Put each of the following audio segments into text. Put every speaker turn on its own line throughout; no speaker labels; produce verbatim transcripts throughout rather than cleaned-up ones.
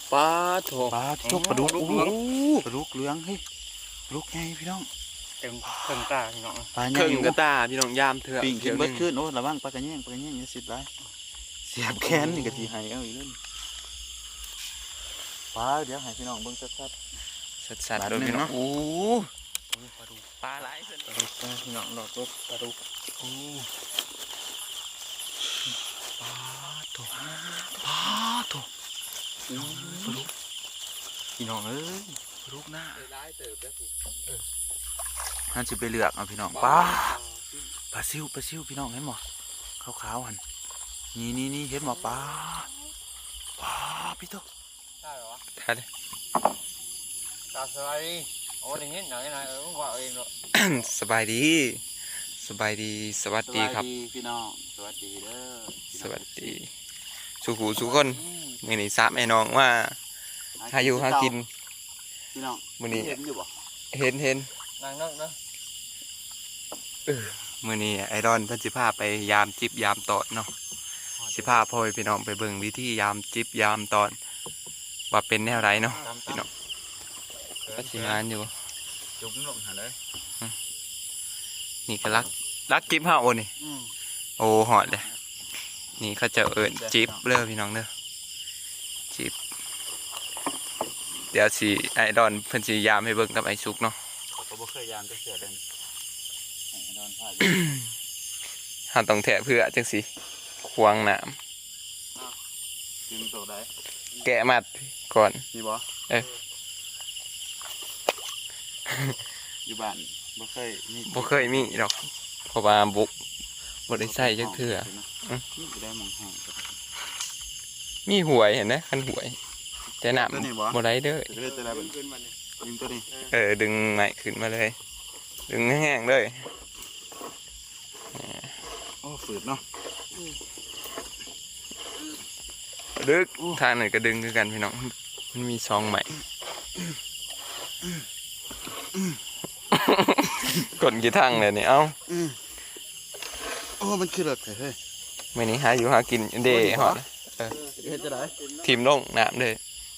ปลาโถ
ปลาที่ทุกปลาดุกโอ้ปลาดุกเหลืองเฮ้ยปลาดุกไงพี่น้อง
เต็มเครื่องตาพี่น้อง
ปลา
เครื่องกระตาพี่น้องยามเถื่อ
ปิ่งกิน
เดี๋ยว
เบิ
นึ
ด
ง
ขึ้นโอ้ระวังปลากระแยงปลากระแยงอย่าสิบไรเสียบแขนนี่กะทีให้เอาอีกเล่นปลาเดี๋ยวให้พี่น้องเบิ่งชัด
สัดๆโดยพี่น้องโอ้ปลาดุกปลาหลายเพิ่น
ปลาดุกพี่น้องดอกดุกปลาดุก
โอ้ปลาโถปลาโถปลาดุกพี่น้องเอ้ยปลาดุกหน้า
ร้ายเติบแล้วถูก
ๆนั่นจะไปเลือกเอาพี่น้องปลาปลาซิวปลาซิวพี่น้องเห็นหมอขาวๆหันนี่นี่นี่เห็นหมอปลาปลาพี่ตุ๊ก
ได้เหรอ
ท่าเลย
ตาสบายดีโอ้ยอย่างนี้หน่อยหน่อยเออมึงว่าเองเนาะ
สบายดีสบายดีสวัสดีครับ
พี่น้องสวัสดีเด้อ
สวัสดีสุขูสุขคนมื้อนี้สามไอ้น้องว่าหาอยู่หากิน
พี่น้อง
มื้อนี้
เห็นอยู่บ่
เห็นเห็น
นั่งนั่งเนาะ
มื้อนี้ไอรอนเพิ่นสิพาไปยามจิบยามตอดเนาะสิพาพ่อพี่น้องไปเบิ่งวิธียามจิบยามตอดว่าเป็นแนวไรเนาะพี่น้องก็สิงานอยู่
จุ่มลงหาเลย
นี่ก็รักรักจิบเฮาโอนี่
อืม
โอ้หอดเลยนี่เขาจะเอิ้นจิบเด้อพี่น้องเด้อจิบเดี๋ยวสิไอรอนเพิ่นสิยามให้เบิ่งกับไอซุกเนาะ
เขาก็บ่เคยยามจะเสือเดินไอ้ดอนถ่าย
เฮาต้องแทะเพื่อจังสิควางน้ำ
ดึงตัวได้
แกะมัดก่อน
มีบ่
เอ้ย
อยู่บ้านบ่เคยมี
บ่เคยมีดอกเพราะว่าบุกบ่ได้ใส่จักเทื่อ อืม
นี่ได้มองห้อง
มีหวยเห็นไหมคันหวย แต่น้
ตัวนี้บ่
ำบ่ได้เด้อ
จะได้จะได้เป็น
ขึ้นมาเนี่ย
ดึงตัวนี้
เออดึงไม้ขึ้นมาเลย ดึงแห้งๆเลย
โอ้ฝืดเนาะ
ดึกทางไหนก็ดึงคือกันพี่น้องมันมีซองใหม่กดกี่ทางเลยนี่เอ้า
อืมโอ้มันคือเลิกเฮ้ย
มื้อนี้หาอยู่หากินเด้ฮอด
เฮ็ดจะได้
ทีมลงน้ำเด้อ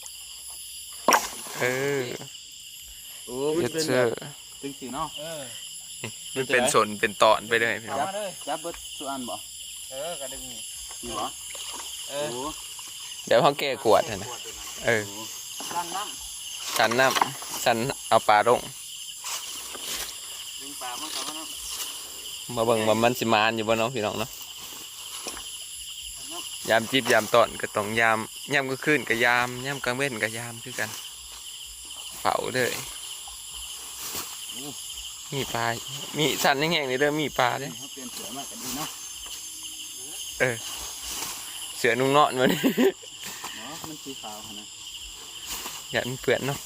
เออ
โอ้มัน
เย็ด
เป็น
เสื้อ
จึงสีเนาะ
เออ
มันเป็นสนเป็นตอนไปเลยพี่น้อง
มาเลย
จับเบิดสุอันบ่
เออกระดึงนี่
มีบ่
เอ
โอ้
อ
เดี๋ยวเขาแก้กวดให้นะเออ
ตั้งน้
สันน้ำสันเอาปลาลง
ำดึงปลามันกลับมาเนาะ
มาเบิ่งว่ามันสิมานอยู่บ่เนาะพี่น้องเนาะยามจีบยามตอนก็ต้องยามยามก็ขึ้นก็ยามยามกลางเว้นก็ยามคือกันเฝ้าเลยมีปลา มีสันแห้งๆนี่เด้อมีปลาเด้อ
เขาเปลี่ยนเสือมากันดีเนาะ
เออเสือนุ่งนอนมาดิ
เนาะมันสีขาวนะ
อย่ามันเปื่อนเนาะ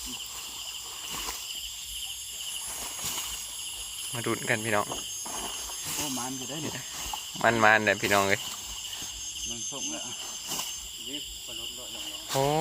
มาดูกันพี่น้อง
โอ้มันอยู่ได้เนี่ย
มันมันเลยพี่น้องเลย
มันส่งแล้ว
นี่ปลาดุกลอยลง
โอ้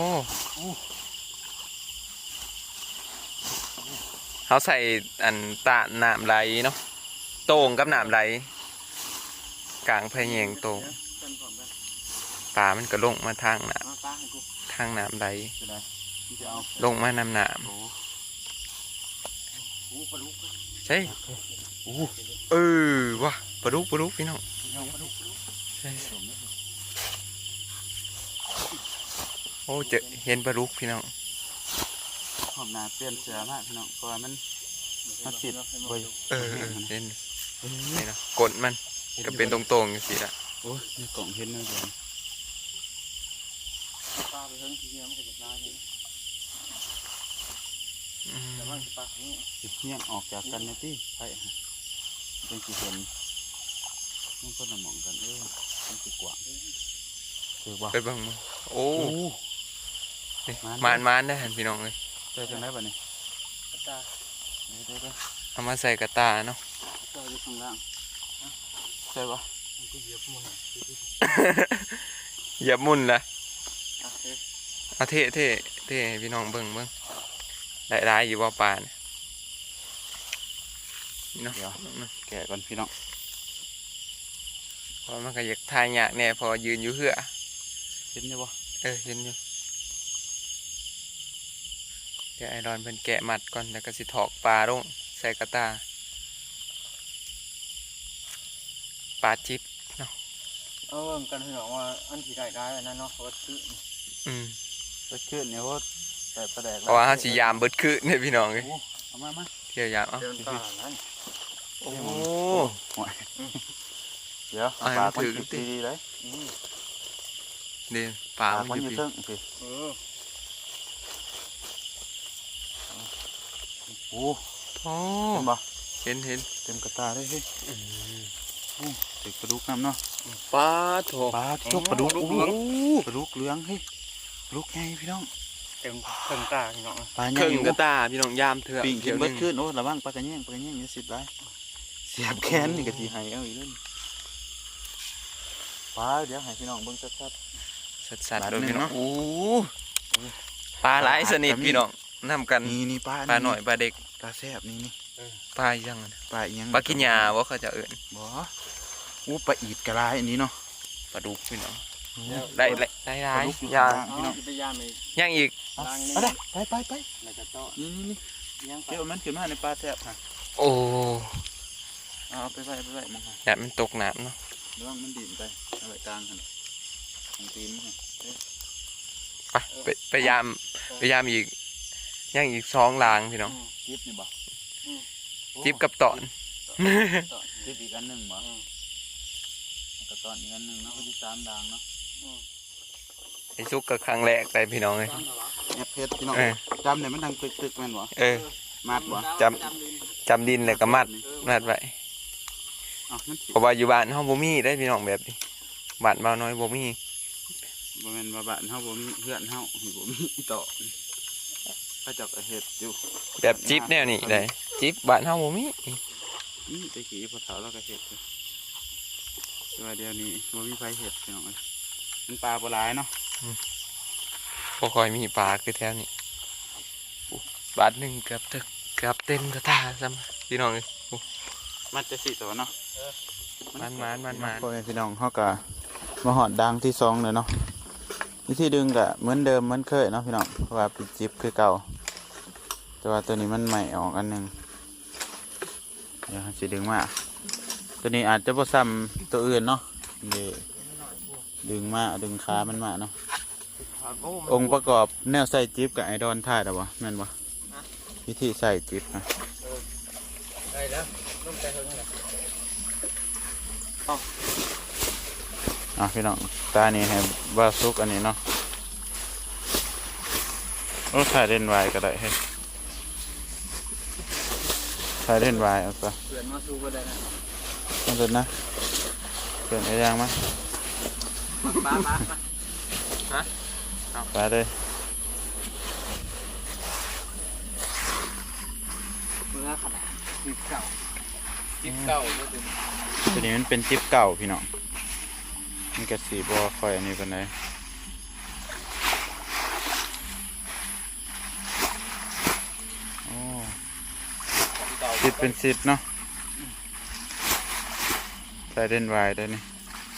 เขาใส่อันตาหนามไหลเนาะโต่งกับหนามไหลกลางพะแยงโต่ง
เป็นก่อนไป
ปลามันก็ลงมาทางหนาม
มาปลาให้กู
ทางหนามไหล
จะได้ที่จะเอา
ลงมานำหนาม
โอ้
โอ้ปลาดุก
ใช่เออว่ะปลาดุกปลาดุกพี่น้อง
ยังปลาดุก
ใช่โอ้เจอเห็นปลาดุกพี่น้อง
หอมนาเปลี่ยนเสือมากพี่น้องเพราะว่ามันมันติดบ่อย
เออเออเห็นนี่เนาะกดมันก็เป็นตรงๆอย่างสิละ
โอ้ยในกล่องเห็นนะเดี๋ยว
ปลาไปเพิ่งทีเดียวมันก็จะได้เลย
อืม
แต่ว่าปลานี้
สิเหี้ยงออกจากกันนะที่ใช่ฮะเป็นกี่เห็นมันก็นำมองกันเออมันสิกว่าคือว่า
ไปเบังมาโอ้
โอ้
นี่
มาน
มานมานได้เห็นพี่น้องเลย
เจอจังได้ป่ะนี่
ปลาตา
เดี๋ยวเดี๋ยวเดี๋ยว
เอามาใส่กระตาเนาะ
เจออยู่ข้างล่างใช่ปะ
มันก็เหยียบมัน
อย่ามุ่นละ
โอเค
เอาเท่เท่เท่ให้พี่น้องเบิ่งเบิ่งได้ได้อยู่ว่าปลาเนี่ยนี่เนาะ
เดี๋ยวแกะก่อนพี่น้อง
เพอมันก็อยากทายยากแน่พอยืนอยู่เหือ
เห็นยังปะ
เออเห็นอยู่ดี๋ยวไอรอนเป็นแกะมัดก่อนแล้วก็สิถอกปลาลงใส่กระตาปลาจิ๊บเนาะ
เอาเบิ่งกันพี่น้องว่าอันที่ได้ได้อันนั้นเนาะว่าซื้อ
อืม
ไปขึ้นเนี่ยว่าแต่ประแดก
เพราะว่าเขาสิยามเบิดคืนเนี่ยพี่น้องเลย
เอามามา
เที่ยวยามเอ้า
เดินตานั้น
โอ้
เดี๋ยว
เอาให้
ปลา
มัน
มัน
ถึง
กินดีๆเลย
เดี๋ยวป
ป
ลา
ลา
มั
มัน น
อ
อยู่ ยู่
พี่
เทิงสิ
เออ
โอ้
โอ้
เห็นบ่
เห็นเห็น
เต็มกระตาเลยเฮ้ยโอ้ติดปลาดุกน้ำเนาะ
ปลาโถ
ปลาที่ปลาดุกโอ้ปลาดุกเหลืองเฮ้ยปลาดุกใหญ่พี่น้อง
เต็มเต็มตาพี่น้อง
ปลาให
เค
ญ่
รื่องกระตาพี่น้องยามเถื่อน
ปิ่งกิ
เดี๋
น
ยว
เบิ
นึ
ด
ง
ขึ้นโอ้ระวังปลากระแยงปลากระแยงอย่าสิบไรเสียบแขนนี่ก็สีหายเอาอีกแล้วปลาเดี๋ยวให้พี่น้องเบิ่งชัด
สัดๆ
ปลา
โดย
หนึ่ง
พี่น้อง
เนาะ
โอ้ปลาหลายสนิทพี่น้องนำกัน
ๆนี่นี่ปลา
ปลาหน่อยปลาเด็ก
ปลาแซ่บนี่นี่
ปลาอีหยังอะนะ
ปลาอีหยัง
ปลากินยาว่าเขาจะเอิ้น
บ่อู้ปลาอีดกระไรอันนี้เนาะ
ปลาดุกพี่น้องได้ได้ได้ได้
ปลาดุกอยู่
ยา
ข้างล่างพี่น้อง
จะไปยามอีก
ยังอีก
เอาเอาได้ไปไปไป
แล้วก็ต่อ
นี่นี่นี่
ยังไป
เดี๋ยวมันขึ้นมาในปลาแซ่บฮะ
โอ้
เอาเอาไปไว้ไปไว้มึงฮะ
อยากมันตกน้ำเนาะ
ระวังมันดิ่นไปเอาไว้กลางหันของตีนมึงฮะ
ไปไปพยายามพยายามอีกยังอีกสองลางพี่น้อง
จิ๊บนี่บ่
จิบกับตอน
ต่อ
จิ๊บอีกอันหนึ่งบ่แล้วก็ตอนอีกอันหนึ่งเนาะก็ที่สามด่างเนาะ
ไอ้ซุกกับครั้งแรกไปพี่น้องเลย
แอบเพชรพี่น้อง
เออ
จำเนี่ยมันดังตึกตึกๆแม่นบ่
เออ
มาดบ่
จำจำดินเลยก็มัดมัดไว้
อ้าวมันสิ
เพราะว่าอยู่บ้านเฮาบ่มีได้พี่น้องแบบนี้บ้านเบาน้อยบ่มี
บ่แม่นว่าบ้านเฮาบ่มีเพื่อนเฮาบ่มีต่อพระเจ้าก็เฮ็ดอยู่
แบบจิบแนวนี้ได้จิบบ้านเฮาบ่มี
นี่ตะกี้พอเฒ่าเราก็เฮ็ดอยู่แต่ว่าเดี๋ยวนี้บ่มีไผเฮ็ดพี่น้องเอ้ยมันปลาบ่หลายเนาะ
บ่ค่อยมีปลาคือแถวนี้อู้บาทหนึงเกือบถึกเกือบเต็มกระตาซ้ำพี่น้องเอ้ยอู้
มันจะสิตัวเนาะ
มันมันมันมัน
พ่อแม่พี่น้องเฮาก็มาหอดดังที่สองเลยเนาะวิธีดึงก็เหมือนเดิมเหมือนเคยเนาะพี่น้องเพราะว่าปิดจิบคือเก่าแต่ว่าตัวนี้มันใหม่ออกอันหนึงเดี๋ยวสิดึงมาตัวนี้อาจจะบ่ซ้ำตัวอื่นเนาะนี่ดึงมาดึงขามันมาเนาะองค์ประกอบแนวใส่จิบกับไอดอนท่าแต่ว่าแม่นบ่วิธีใส่จิบนะ
ได้แล้วต้องใจเท่านั้นแหละ
อ่ะพี่น้องตานี่ให้บาซุกอันนี้เนาะโอ้ถ่ายเล่นวายก็ได้ให้ถ่ายเล่นวายเอาไป
เปลี่ยนมาสู้ก็ได้นะ
มันจะนะเปลี่ยนไอ้ยางมั้ย
มามา
ไปเลย
เมื่อขนาดจิบเก่าจิบเก่าก็ถึง
ตัวนี้มันเป็นจิ๊บเก่าพี่น้องมันกระสีบัวคอยอันนี้เป็นไงโอ้สิบเป็นสิบเนาะใส่เล่นวายได้นี่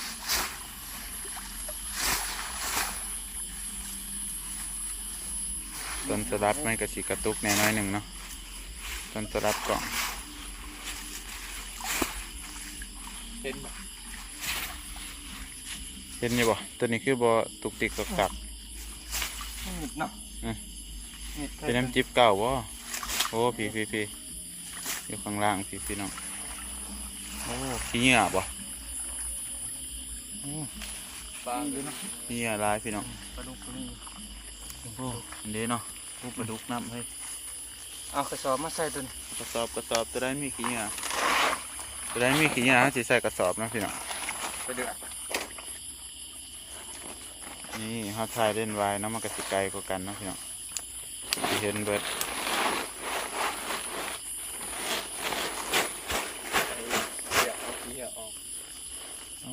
ต้นสลับไม่กระสีกระตุกแน่น้อยหนึ่งเนาะต้นสลับกล่อง
เห็นบ่
เห็นอยู่บ่ตัวนี้คือบ่ตุกติกกักกัก
นิดเนาะนิด
เป็นน้ำจิ๊บเก่าบ่โอ้พี่พี่พี่อยู่ข้างล่างพี่พี่น้องโอ้พี่เหงื่อบ่โอ้
ปลาอยู่เนาะ
พี่เหงื่อลายพี่น้อง
ปลาดุกตัวนี้
โอ้อันนี้เนาะผู้ปลาดุกน้ำเฮ้ย
เอากระสอบมาใส่ตัวนี้
กระสอบกระสอบตัวได้มีขี้เหงื่อตัวได้มีขี้เหงื่อสิใส่กระสอบนะพี่น้อง
ไปเดือด
นี่เฮาถ่ายเล่นไว้เนาะมันก็สิไกลกว่ากันเนาะพี่น้องสิเห็นเบิด
เดี๋ยวเอาขี้ออก
อ๋อ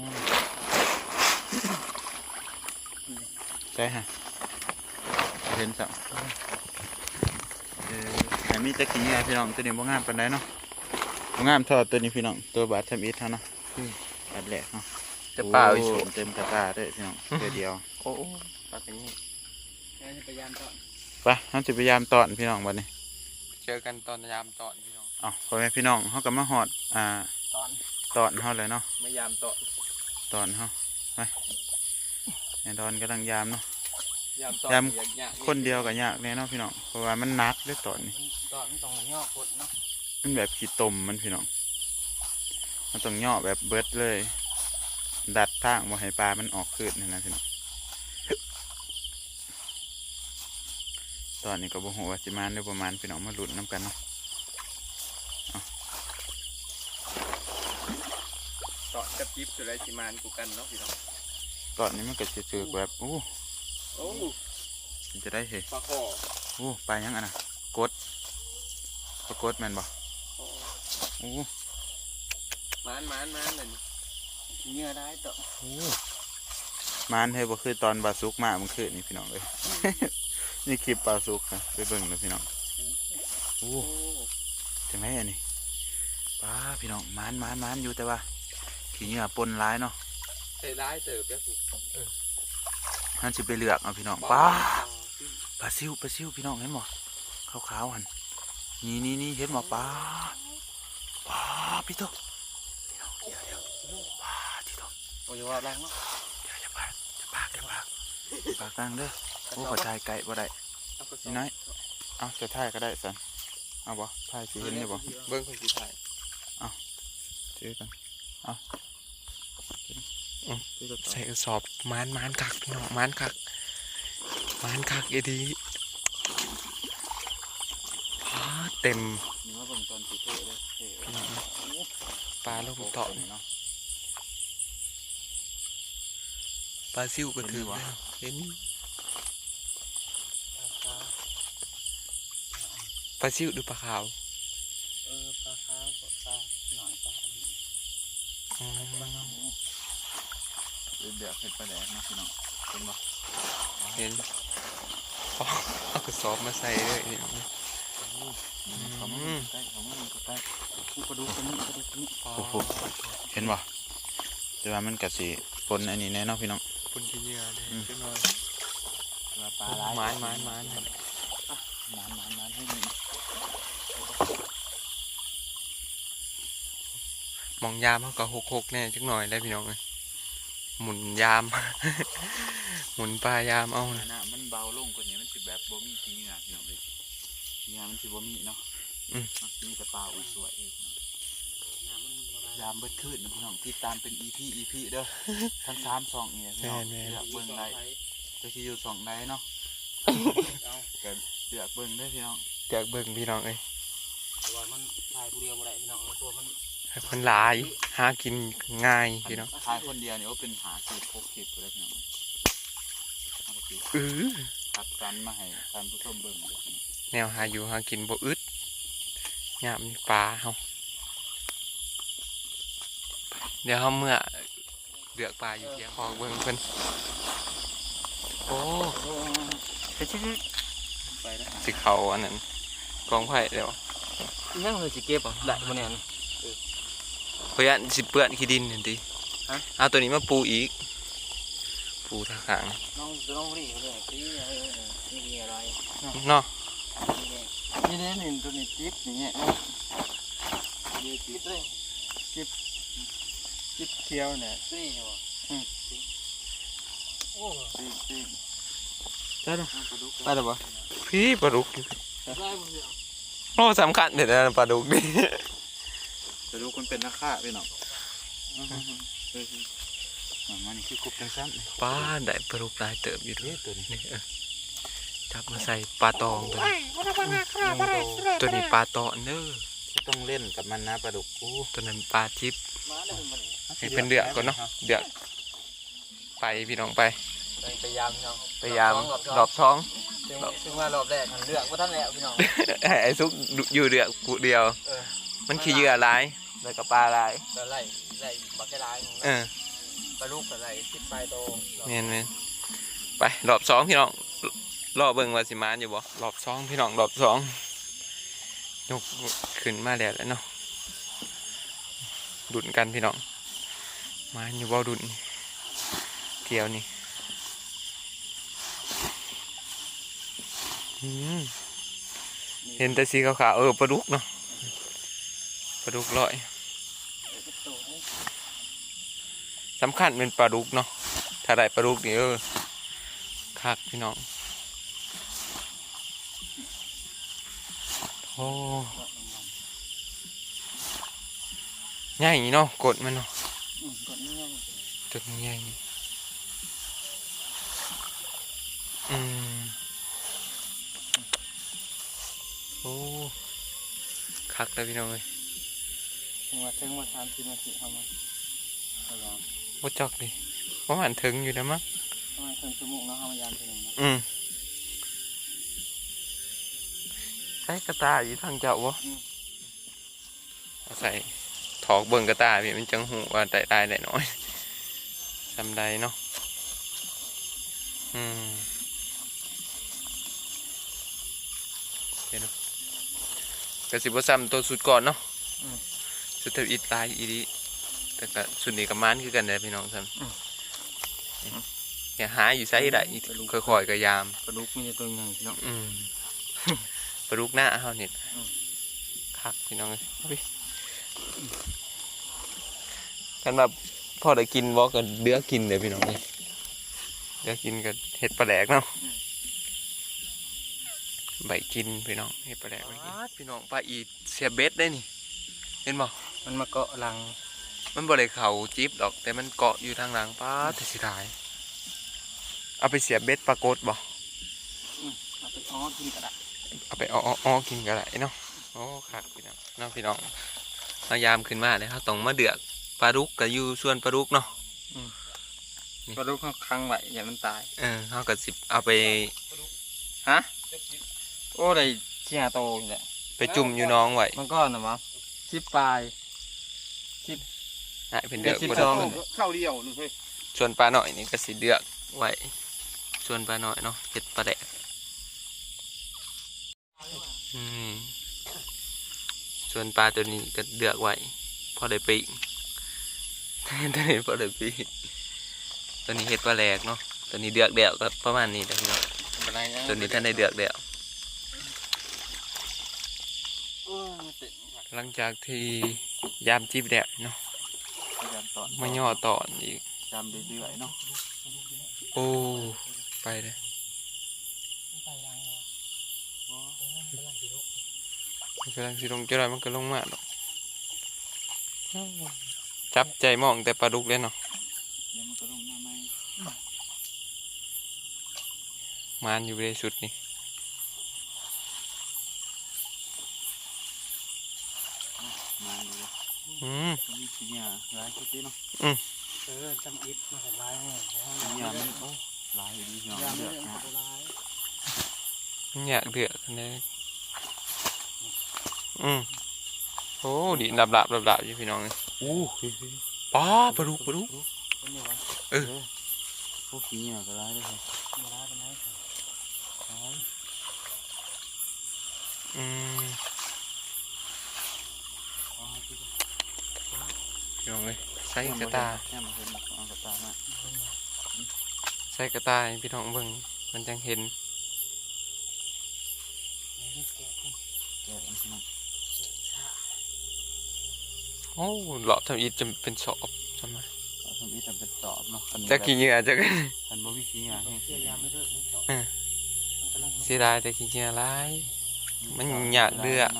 ใช่ฮะเห็นสักเออแต่มีแต่ขี้เหงื่อพี่น้องตัวนี้บ่งามปานใดเนาะบ่งามเทอดตัวนี้พี่น้องตัวบาททำอิฐเท่าเนาะบาทแหลกเนาะ
จะเปล่าอีก
โ
สู
เต็มกระตาด้วยพี่น้องเดียวเดียว
โอ้ปลากันนี่
แค่จะไปยามก่อน
ไปเราจะพยายามตอนพี่น้องบัดนี้
เจอกันตอนยามตอนพี่น้อง
อ๋อพ่อแม่พี่น้องเขาก็มาหอดอ่า
ตอน
ตอนเขาเลยเนาะ
ไม่ยามตอน
ตอนเขาไปไอ้ดอนกำลังยามเนาะ
ยามตอน
ยาม
อยาก
คนเดียวกับยากแน่เนาะพี่น้องเพราะว่ามันหนักด้วยตอนนี้
ตอนต้องย่อกดเนาะ
มันแบบขี้ตมมันพี่น้องมันต้องย่อแบบเบิดเลย ดัดทางบ่ให้ปลามันออกคืนนี่นะพี่น้องตอนนี้ก็บ่ฮู้ว่าสิมาได้ประมาณพี่น้องมาลุ้นน้ำกันเนาะ
ตอนกับจิ๊บสุดไรสิมานกูกันเนาะพี่น้อง
ตอนนี้มันก็จะถือแบบโอ้
โอ้
มันจะได้เห็น
ปลาคอ
โอ้ปลายังอ่ะนะกดปลากดแม่นบ่โอ้
มานมานมานเลย
เนื้อได้ต่อ
โอ้มานให้บ่คือตอนปลาสุกมามันคือนี่พี่น้องเลย นี่คลิปปลาสุกนะไปเบิ่งนะพี่น้องโอ้
โอ้
จังไรอันนี้ปลาพี่น้องมานมานมานอยู่แต่ว่าขี้เหงื่อปนร้ายเนาะ
ใส่ร้ายเติบแล้วถูก
ท่านสิไปเลือกเอาพี่น้องปลาปลาซิวปลาซิวพี่น้องเห็นบ่ขาวๆหันนี่นี่นี่เห็นบ่ปลาปลาพี่โตพี่น้องเดี๋ยวเดี๋ยวปลาพี่โต
โอ้ยว่าแรงเนาะ
เดี๋ยวจะปากจะปากจะปากปากกลางเด้อโอ้ขอถ่ายไก่บ่ได้นี่น้อยเอาจะถ่ายก็ได้สันเอาบ่ถ่ายสิเห็นได้บ่
เบิ้งคนสีถ่าย
ถือกันเอาถือกัน
ใส่กระสอบมานมานคักพี่น้องมานคักมานคักเอดีเต็ม
นี่ว่าเบิ่งตอนสิเท่เลยเท่
พี่น้องปลาลูกเต่า
เนาะ
ปลาซิวก็ถือว่าเห็นปลาซิวดูปลาขาว
เออปลาขาวกับปลาหน่อยปลา
อืม
เดือดเผ็ดปลาแดงนะพี่น้องเป็นบ่
เห็นอ๋อเอากระสอบมาใส่เลยเนี่ย
เขาไม่ใกล้เขาไม่ใกล้กระดูกตัวนี้กระดูกตัวนี้
โอ้
โอ้
โห
โหเห็นบ่แต่ว่ามันกะสิปนอันนี้แน่เนาะพี่น้อง
คนที่เหยื่อเลยจังหน่อย
ว่าปลา
ห
ร้าย
มานหมานหมาน
หมานหมานหมานให้มี
มองยามเขาก็หกหกแน่จังหน่อยได้พี่น้องเลยหมุนยาม หมุนปลายามเอา
หน้ามันเบาลงกว่านี้มันสิแบบบ่มีขี้เหงื่อพี่น้องเลยขี้เหงื่อมันสิบ่มีเนาะมีแต่ปลาอุ้ยสวยเองยามเบิดขึ้นนะพี่น้องติดตามเป็น อี พี อี พี เด้อทั้งสามสองนี่พี่น้องเลือกเบิ่งได้จะสิอยู่สองได้เนาะก็เลือกเบิ่งได้พี่น้อง
อยากเบิ่งพี่น้องเลย
ตัวมันตายผู้เดียวบ่ได้พี่น้องตัวมัน
มันหลายหากินง่ายพี่น้อง
ทายคนเดียวเนี่ยว่าเป็นหาสิบพกสิบเลยพี่น้องเอาไปสิ
เออ
ตัดกันมาให้ท่านผู้ชมเบิ่งเลยพี่น้อง
แนวหาอยู่หากินบ่อึดยามมีปลาเฮาเดี๋ยวเฮาเมื่อเลือกปลาอยู่เที่ยงของเบิ่งเพิ่นโอ้
ไปชิด
ไปแล้ว
สิเขาอันนั้นกองไผ่เดี๋ยว
ยังเลยสิเก็บอ่ะได้บ่เนี่ย
เพื่อนสิเปื้อนขี้ดินเห็นดิเอาตัวนี้มาปูอีก ปูทางขาง
น้องน้องนี่เลยที่เออนี่มีอะไร
เนาะ
นี่เนี่ยนี่ตัวนี้จิ๊บอย่างเงี้ยนี่จิ๊บเลยจิ๊บจิ๊บเขียวเนี่ยนี่เหรออืมโอ้จิ๊บจิ๊บได้หรอไปหรอวะ
พี่ปลาดุก
ได้หมดเลย
โอ้สำคัญเดี๋ยวนะปลาดุกนี่
จะดูคนเป็นนักฆ่าพี่น้องมันนี่คือกบจังซ้ำ
ป้าได้ปลาดุกหลายเติบอยู่ด้วย
ตัวนี้
นี่เออจับมาใส่ปลาตองตัวนี้ตัวนี้ปลาตอนเด้อ
ต้องเล่นกับมันนะปลาดุกกู
ตัวนั้นปลาจิบ
มาได้หมดเลย
ให้เป็นเดือกก่อนเนาะเดือกไปพี่น้องไป
พยายามพี่น้อง
พยายามรอบท้อง
ซึ่งซึ่งว่ารอบแรกหันเลือกว่าท่านแล้วพี่น้อง
ให้ไอ้ซุกอยู่เดือกกูเดียว
เออ
มันขี้เหยื่อหลายแล้วก็ปลาหลาย
จะไล่ไล่บักแค่ลาย
เออ
ปลาลูกกับไล่คิดปลายโต
เมนเมนไปรอบสองพี่น้องรอบเบิ่งว่าสิมานอยู่บ่รอบสองพี่น้องรอบสองยกขึ้นมาแล้วแล้วเนาะดุนกันพี่น้องมาอยู่บ่ดุนเกี่ยวนี่อืมเห็นแต่สีขาวๆเออปลาดุกเนาะปลาดุกลอยสำคัญเป็นปลาดุกเนาะถ้าได้ปลาดุกนี่เออคักพี่น้องโอ้ใหญ่เนาะกดมันเนาะ
อืมก่อนนี่ไง
จุดใหญ่อืมโอ้คักเลยพี่น้องเลย
ถึงว่าถึงว่าสามสิบนาทีเข้ามาพยายาม
บ่จอกดิประมาณถึงอยู่นะมั้ง
ประมาณครึ่งชั่วโมงเนาะเข้ามายามทีหนึ่งนะ
อืมใส่กระตายอยู่ทางเจ้าวะเอาใส่ถอกเบิ่งกระตายพี่มันจังหูว่าได้ได้ได้น้อยจำได้เนาะอืมเห็นเนาะกระสิบว่าซ้ำตัวสุดก่อนเนาะสุดเทวอิดลายอีดีแต่ก็สุดนี้กับมันคือกันเลยพี่น้องซ้ำอย่าหาอยู่ไซส์ได้ค่อยๆก็ยาม
ปลาดุกมีตัวใหญ่พี่น้อง
อืม ปลาดุกหน้าเฮาเนี่ยคักพี่น้องเลยเอาไปกันแบบพอได้กินวอกันเดือกินเลยพี่น้องเลยเดือกินกับเห็ดปลาแหลกเนาะใบกินพี่น้องเห็ดปลาแหลกพี่น้องปลาอีเสียเบ็ดได้นี่เห็นบ่
มันมาเกาะหลัง
มันบ่ได้เข่าจิ๊บดอกแต่มันเกาะอยู่ทางหลังป้าแต่สิได้เอาไปเสียเบ็ดปลากดบ่
เอาไปอ้อกินกระดาษ
เอาไปอ้ออ้อกินก็ได้เนาะโอ้คักพี่น้องน้องพี่น้องเรายามขึ้นมาเลยครับต้องมาเดือกปลาดุกกับอยู่ส่วนปลาดุกเนาะ
ปลาดุกเขาค้างไว้อย่ามันตาย
เออเขากับสิบเอาไป
ฮะโอ้ได้เชี่ยโตนี่แหละ
ไปจุ่มอยู่น้องไว้
มันก็นะวะชิปปลาย
ให้เป็นเดือก
สิบ
บ่
ส
ได้
อง
เข้าเดียวนึงเฮ้ย
ส่วนปลาหน่อยนี่ก็สิเดือกไว้ส่วนปลาหน่อยเนาะเห็ดปลาแดกอืมส่วนปลาตัวนี้ก็เดือกไว้พอได้ปีก ตัวนี้พอได้ปีกตัวนี้เห็ดปลาแหลกเนาะตัวนี้เดือกเดี่ยวก็ประมาณนี้แหละพี่น้องตัวนี้ท่านได้เดือกเดี่ยวหลังจากที่ยามจีบแดดเนาะ
พยายามตอน
มาย่อตอนอีก
จำเรื่อยๆเนาะ
โอ้ไปเลยมันกำลังสิลงจะไรมันก็ลงมาเนาะจับใจมองแต่ปลาดุกเลยเนาะ
เดี๋ยวมันก็ลงมาใหม่
มานอยู่ในสุดนี่
มาดูเลย
อืม
มีสีเหงื่อร้ายชุดนี้เนาะ
เออจำอิดมาเห็นลายเนี่ย
สีเหงื่อมันโอ้ร้ายดีเนาะ
ยาม
เลื
เรื่
อ
อก ง
นะ
ลาย
อยากเดือดเลยอืมโอ้ดิดับดับดับดับอยู่พี่น้องเลยโอ้ป้าปลาดุกปลาดุก
เป็นไงวะ
เออ
พวกสีเหงื่อก็ร้ายเลยครับ
มาลายเป็นไง
อืมพี่น้องเลยใส่กระตา
แค่มาเห็นหมกเอากระตามา
ใส่กระตาให้พี่น้องเบิ่งมันจังเห็น
แกะมันมา
โอ้หลอดทำอีจะเป็นสอบใช่ไหม
เอาทำอีแต่เป็นตอบเนาะคัน
จะขี้เหงื่อจะกัน
คันบ่มีสีเหงื่อให้
เชี่ยยามไม่เลิกนี่ต่อ
เสียดายแต่ขี้เหงื่อร้าย มันอยากเดือด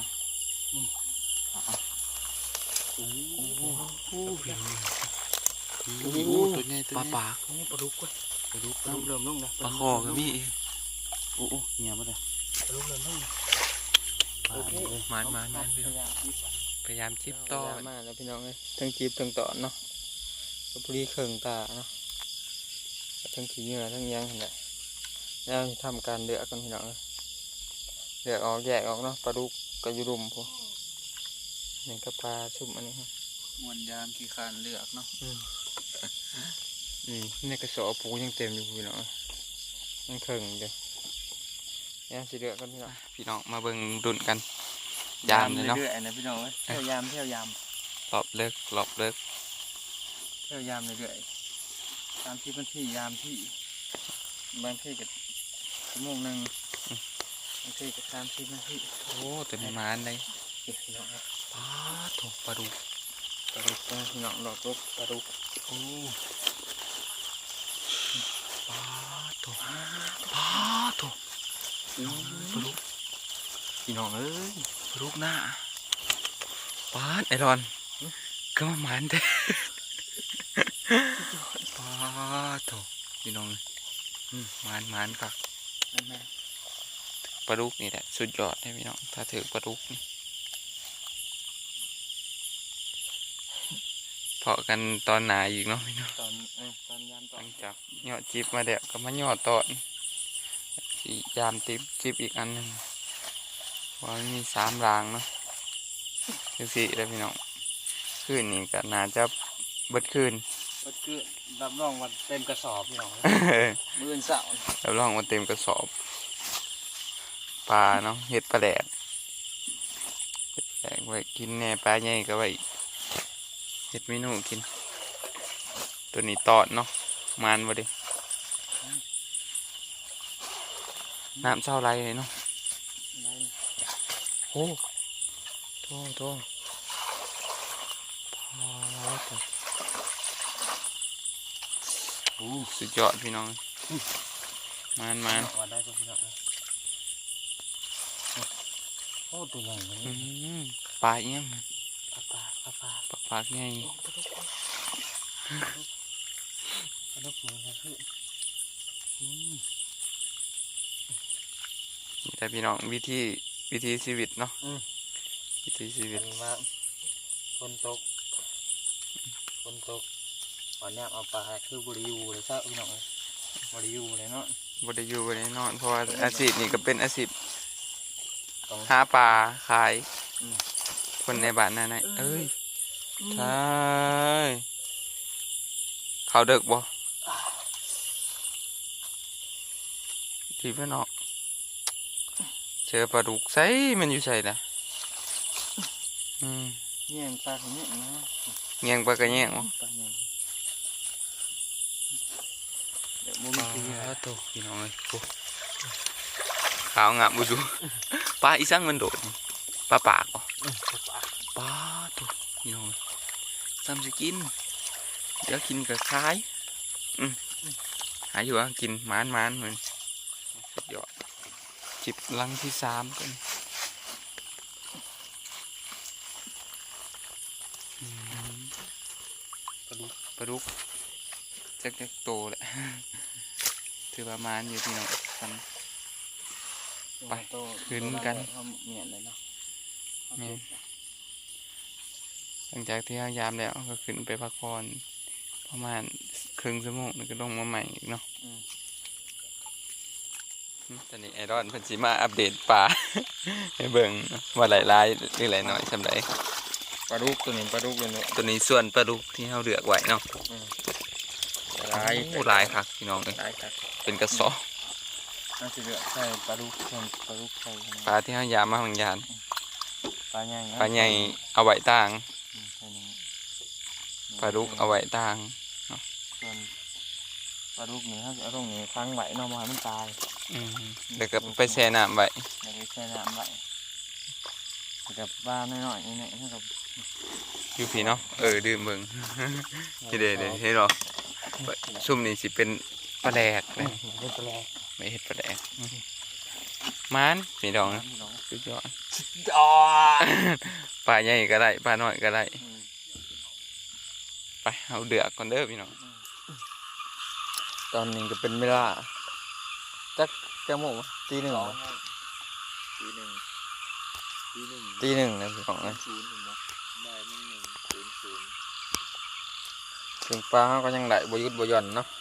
โอ้โห
โอ้ย
โอ้โหตัวใหญ่ตัว
ปลา
ใหญ่
ปาก
นี่ปลาดุกเว้ย
ไปดู
ปลาดุกเริ่มลงนะ
ปลาคอก็มี
โอ้โหเหงื่อมาเลย
ปลาดุกเริ่มลง
โอเค
มานมานมาน
พยายามจิบ
พยายามจิบต่อ
มาแล้วพี่น้องเลยทั้งจีบทั้งตอนเนาะกระปุรีเข่งตาเนาะทั้งขี้เหงื่อทั้งยังเห็นไหมแล้วทำการเดือกกันพี่น้องเลยเดือกออกแยกออกเนาะปลาดุกก็อยู่รุมพวกนี่ก็ปลาชุ่มอันนี้ครับ
มวนยามขี้คานเลือกเนาะ
อืมนี่ในกระสอบปูยังเต็มอยู่พี่น้องยังเข่งเดียวยังสิเดือกกันพี่น้อง
พี่น้องมาเบิ่งดุนกัน ยามเลยเนาะ
เรื่อยๆนะพี่น้องเอ้ยเที่ยวยามเที่ยวยาม
หลอบเลิกหลอบเลิก
เที่ยวยามเรื่อยๆตามที่พื้นที่ยามที่บางที่ก็ชั่วโมงหนึ่งสี่กับสามสิบนาที
โอ้ตัวนี้มานได้
พี่น้อง
ปลาถูกปลาดุก
ปลาดุกพี่น้องหลอกลบปลาดุก
โอ้ปลาถูกปลาถูกปลาดุก
พี่น้องเอ้ย
ปลาดุกหน้าปลาไอรอนก็มาหมันเด้ปลาถูกพี่น้องอืมหมันหมันครับ
นั่นแม่
ปลาดุกนี่แหละสุดยอดเลยพี่น้องถ้าถือปลาดุกนี่เพาะกันตอนหนาอีกเนาะพี่น้อง
ตอนเออตอนยามต
ห
อน
ลังจากยอดจิบมาเดี๋ยวก็มาหยอดตอนสียามติบจิบอีกอันหนึ่งว่ามันมีสามรางเนาะคือสี่แล้วพี่น้องคืนนี้ก็น่าจะเบิดคืน
ก็คือรับรองวันเต็มกระสอบพี่น้องมื้อเสาร์
แล้วลองมาเต็มกระสอบปลาเนาะเห็ดปลาแดดเห็ดแดงไว้กินแหน่ปลาใหญ่ก็ไว้เห็ดเมนูกิน ตัวนี้ตอดเนาะมานบ่ดิน้ำเศร้าไรเลยเนาะโอ้โตโตพอตัวโอ้สุดยอดพี่น้องมานมาน
วันได้ก็พี่น้องโอ้ตัวใหญ่เลย
อืมปลาเอี้ยม
ปลาปลาปลาปลา
ปลาปลาไง
ปลาดุกปลาดุกมือครับพี่อืม
นี่แต่พี่น้องวิธีวิธีชีวิตเนาะ
อืม
วิธีชีวิ
เป็
ต
นว่าฝนตกฝนตกตอนนี้เอาปลาคือบริยูเลยเจ้าพี่น้องเลยบริยูเลยเนาะ
บไดอยู่บไดนอนเพราะว่าอาชีพนี่ก็เป็นอาชีพ
ต้อง
หาปลาขาย
อืม
คนในบ้านนั่นนะเอ้ยใช่เขาเด็กบ่ทีพี่น้องเจอปลาดุกใส่มันอยู่ใส่นะอืม
แย่งปลาของเนี่ยนะ
แยงปลากระแยงบ่
ปลาแย่งเดี๋ยวมุม
ปลา
ตีนะ
โตพี่น้องเลยโอ้ขาวงามบุจูปลาอีสังมันโดดนี่ปลาปากบ่
อืมปลาปลา
ปลาตัวพี่น้องซ้ำจะกิน เดี๋ยวกินกับคล้าย อืมหายอยู่ว่ากินหมานหมานเหมือนสุดยอดจิบลังที่สามกันอืมปลาดุกปลาดุกจักจักโตแหละ ถือประมาณอยู่พี่น้องกัน ไป
โต
ขึ้นกัน
เอาเหมียนเลยเนาะ
แม่น หลังจากที่พยายามแล้วก็ขึ้นไปพักผ่อนประมาณครึ่งชั่วโมงแล้วก็ลงมาใหม่อีกเนาะ
อืม
ตอนนี้ไอรอนเพิ่นสิมาอัปเดตปลา ให้เบิ่งว่าหลายลายหรือหลายน้อยสำหรับ
ปลาดุกตัวนี้ปลาดุกเลยเนาะ
ตัวนี้ส่วนปลาดุกที่เราเลือกไว้เนาะ
หลาย
โอ้หลายคักพี่น้องเลย
หลายครับ
เป็นกระสอบ
น่าจะเหลือใส่ปลาดุกส่วนปลาดุกใส่
ปลาที่เรายามมาบางยาน
ปลาใหญ่นะ
ปลาใหญ่เอาไว้ต่าง
อืมใส่หนึ่ง
ปลาดุกเอาไว้ต่าง
ส่วนปลาดุกนี่ถ้าจะเอาตรงนี้ค้างไว้เนาะบ่ให้มันตาย
อืมแล้วก็ไปแช่น้ำไว้
เดี๋ยวไปแช่น้ำไว้กับปลาน้อยๆนี่เนี่ยถ้ากับ
อยู่พี่เนาะเออดื่มเบิ่ง ที่เด้เด้เห็นหรอซุ่มนี่สิเป็นปลาแดกเลย
เป็นปลา
ไม่เห็ดปลาแดกมันพี่น้องนะ
พี่น้อง
สุดยอด
อ๋อ
ปลาใหญ่ก็ได้ปลาน้อยก็ได้ไปเอาเดือกก่อนเด้อพี่น้อง
ตอนนี้ก็เป็นเวลาจักจะโมงวะตีหนึ่งวะ
ทีหนึ่งทีหนึ่ง
ตีหนึ่งนะพี่น้องนะ
ศูนย์เนาะได้หนึ่งหนึ่งศูนย์ศูนย์
ถึงปลาเขาก็ยังไหลบหยุดบหย่อนเนาะ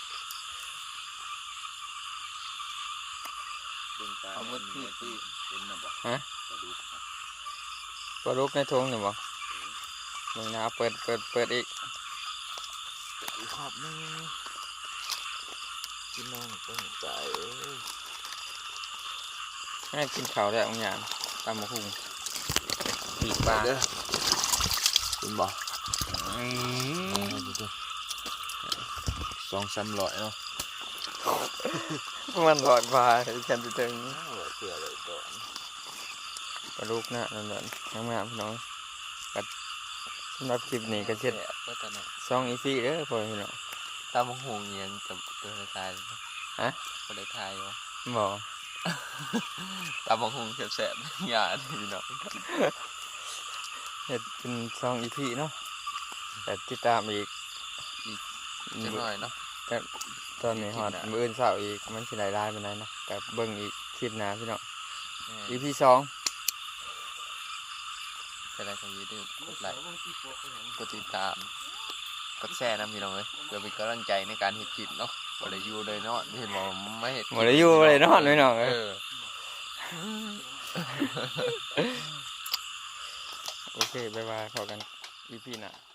เอาหมดที่ที่เป็นนะบ่
ฮะ
กระดูกครับ
ปลาดุกในทงเนี่ยบ่มึงนะเปิดเปิดเปิดอีก
ขอบนึงพี่น้องต้องใจ
ให้กินข้าวได้บางอย่างตามมาคุงปีกปลา
คุณบ่สองสามร้อยเนาะ
มันหลอดปลาฉันจะถึง
เสือเลยก่อน
ปลาลูกนะนั่นนั่นน้ำงามพี่น้องกัดสำหรับคลิปนี้ก็เช่น
ก็จะเนี่ย
ซองอีซี่เด้อพ่อพี่น้อง
ตามหงเงียนกับตัวทาย
ฮะ
คนได้ทายวะ
บอก
ตามหงแสบๆหยาดพี่น้อง
เฮ็ดเป็นซองอีพีเนาะแต่ติดตามอีก
จังหน่อยเนาะ
ตอนนี้ฮอดมื้ออื่นเช้าอีกมันสิหลายรายปานใดเนาะแต่เบิ่งอีกคลิปหน้าพี่น้อง อีพีสอง
จะได้ก็อย่าลืมกดไลค์กดติดตามกดแชร์นะพี่น้องเอ้ยเพื่อเป็นกำลังใจในการเฮ็ดคลิปเนาะบ่ได้อยู่เลยเนาะเห็นบ่ไม่เฮ็ด
บ่ได้อยู่บ่ได้นอนพี่น้อง
เอ
เอ้ย
อ
โอเคบ๊ายบายพบกันอีพีหน้า